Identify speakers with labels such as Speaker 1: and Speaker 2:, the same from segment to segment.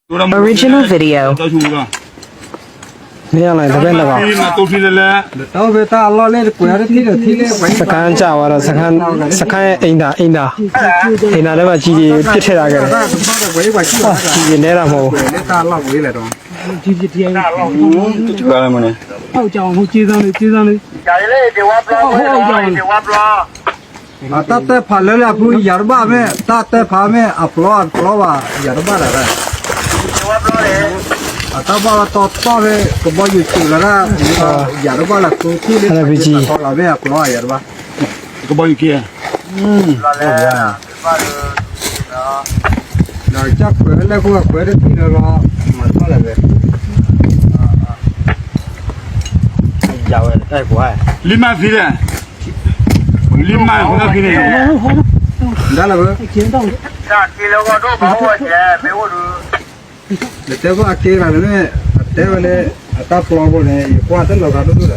Speaker 1: Original video.
Speaker 2: မရလိုက်တပည့်တော့
Speaker 3: ဒီမှာတူထီလဲလဲ
Speaker 4: တော့ဘေတာအလောလေးကိုရတဲ့ထိတယ်ထိလေးပဲ
Speaker 2: စကန်ကြသွားတော့စကန်ရဲ့အိမ်သာထဲမှာကြီးကြီးပြစ်ထည့်တာခဲ့တယ်
Speaker 4: တော့ဝေးပါရှိတာ
Speaker 2: ကြီးကြီးနေတာမဟုတ်
Speaker 4: လက်တာလောက်ဝေးလေတော့
Speaker 5: ဒီဒီဒီအဲ့
Speaker 3: တူကားလဲမနေ
Speaker 5: ဟောက်ကြောင်ဟိုကျေးစမ်းလေးကျေးစမ်းလေး
Speaker 6: ကြာလေဒီဝါပလောဒီဝါပလော
Speaker 4: အတတ်ဖာလဲလာဘူးရပါမယ်တတ်ဖာမယ်အပလောပလောပါရပါလား
Speaker 6: ဒီဝါပလောလေ
Speaker 4: အတပါတော့တော့ပဲကဘယူချူလာရပါလားကိုခုလေးဟောလာပဲအပလောရပါ
Speaker 3: ကဘောကြီးကဲ
Speaker 6: လာလေပါလို့နော်
Speaker 4: တော့ချက်ခွဲလဲကိုခွဲတဲ့ထိတော့မတော်လည်းပဲ
Speaker 6: ကြာဝဲအဲ့ကွာ
Speaker 3: လီမာဖီလဲလီမာဟိုကခင်းနေ
Speaker 4: ဒါလည်းပဲ
Speaker 5: ကျင်းတော့
Speaker 6: ကြာဒီလောကတော့ဘာဝကျဲမေဝလူ
Speaker 4: လက်တော့အကေလာလည်းတဲဝလေအတပလောကိုလည်းကွာတဲ့လောကတော့တူတယ်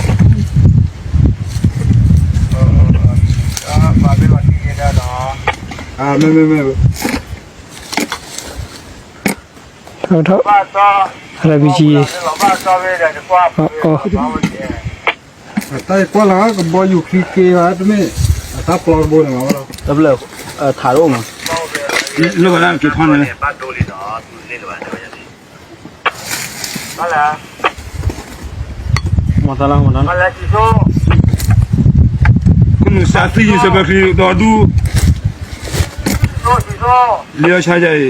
Speaker 6: ဘာပဲလို့ဒီနေတာတော့
Speaker 4: အာမဲ
Speaker 2: ဟုတ်တော့
Speaker 6: ဘာသာ
Speaker 2: ရပြီကြီး
Speaker 6: ဘာသာပဲတဲ့ကွာဘာဝကျဲ
Speaker 4: တိုင်ကွာလာကဘယူခီကေရတဲ့မဲအတပလောကိုလည်းမဟုတ်
Speaker 6: တဘလထားတော့မှာ
Speaker 3: လောကလားကထွန်းနေ
Speaker 6: ဘာတိုလီတော့သူလေးတော့ရတယ်ဟာလား
Speaker 2: မတလားမနော်
Speaker 6: ဟာလားဒီဆို
Speaker 3: ခုနစာသီးစပခီတော်ဒူ
Speaker 6: ဒီဆို
Speaker 3: လျောချကြရေ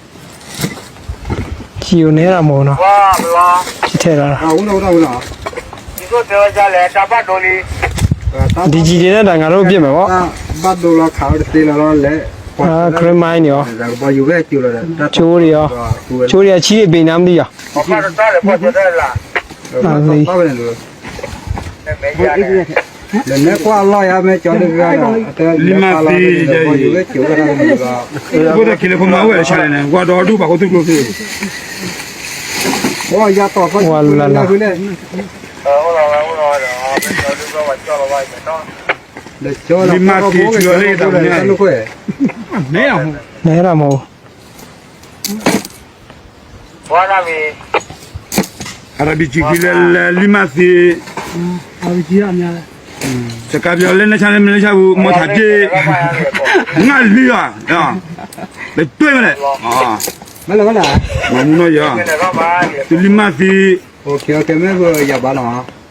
Speaker 2: ကြီးနေတာမဟုတ်နော်
Speaker 6: ဝါဘလော
Speaker 2: ကြီးထည့်တာ
Speaker 4: 啊，我那，
Speaker 6: ဒီဆိုတော့ကြလေတပတ်တိုလီ
Speaker 2: ဒီကြီးတွေနဲ့တန်ငါတို့ပြစ်မယ်ပေါ့
Speaker 4: 啊，把多了烤的သေး了嘞，
Speaker 2: အာခရမိုင်းရော
Speaker 4: 那个把油给揪了的，
Speaker 2: ချိုးတွေရောချိုးတွေကချီးတွေပိန်น้ำမသိရော
Speaker 6: ဘာမှတော့တယ်ပေါ်တယ်လား
Speaker 4: 到不了了，
Speaker 6: မေးရတယ်
Speaker 4: 那挂老呀没叫那个呀，把油给揪了那个，
Speaker 3: ဘုရားကိလေခုမဝဲချလိုက်နေကွာတော်ဒူဘာကိုသူ့လို့ဖြစ်
Speaker 4: 我呀到把那回来，
Speaker 6: ဟုတ်လားဟုတ်လားတော့ဘယ်လိုလုပ်တော့ကြောက်တော့ပဲတော့
Speaker 4: 那揪了，那会，
Speaker 3: နေအောင်
Speaker 2: နေတာမဟုတ်
Speaker 6: ဘာလာမီ
Speaker 3: အရဘီချီကလေလီမာစီ
Speaker 5: အာကြီးအများလဲ
Speaker 3: စကားပြောလဲနေချမ်းလဲမနေချဘူးမောထားပြေငါလီယာဟာဘယ်တွေ့မလဲဟာ
Speaker 4: 没了，
Speaker 3: မမနောရ
Speaker 6: နေတော့ပါ
Speaker 3: လီမာစီ
Speaker 4: OK，没个也罢了啊。